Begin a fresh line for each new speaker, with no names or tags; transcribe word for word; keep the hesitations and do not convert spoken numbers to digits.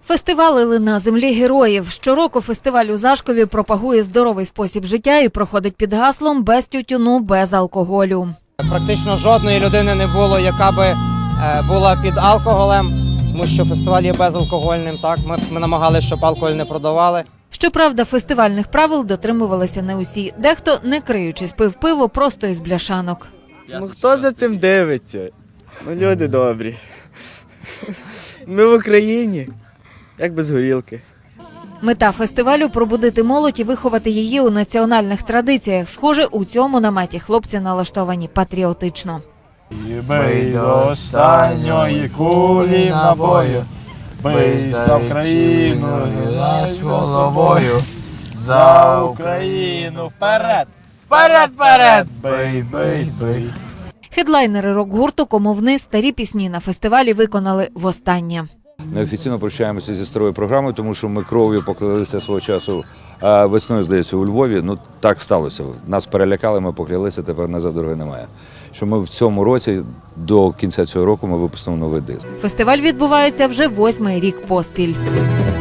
Фестивалили на землі героїв. Щороку фестиваль у Зашкові пропагує здоровий спосіб життя і проходить під гаслом «Без тютюну, без алкоголю».
Практично жодної людини не було, яка би була під алкоголем, тому що фестиваль є безалкогольним. Так? Ми, ми намагалися, щоб алкоголь не продавали.
Щоправда, фестивальних правил дотримувалися не усі. Дехто, не криючись, пив пиво просто із бляшанок.
Ну хто за цим дивиться? Ну люди добрі. Ми в Україні, як без горілки.
Мета фестивалю – пробудити молодь і виховати її у національних традиціях. Схоже, у цьому наметі хлопці налаштовані патріотично.
Бий до останньої кулі набою, бий за Україну, гинаш головою, за Україну, вперед, вперед, вперед, бий, бий, бий.
Хедлайнери рок-гурту «Комовни» старі пісні на фестивалі виконали востаннє.
Неофіційно прощаємося зі старою програмою, тому що ми кров'ю поклялися свого часу а весною, здається, у Львові. Ну, так сталося. Нас перелякали, ми поклялися, тепер назад дороги немає. Що ми в цьому році, до кінця цього року, ми випустимо новий диск.
Фестиваль відбувається вже восьмий рік поспіль.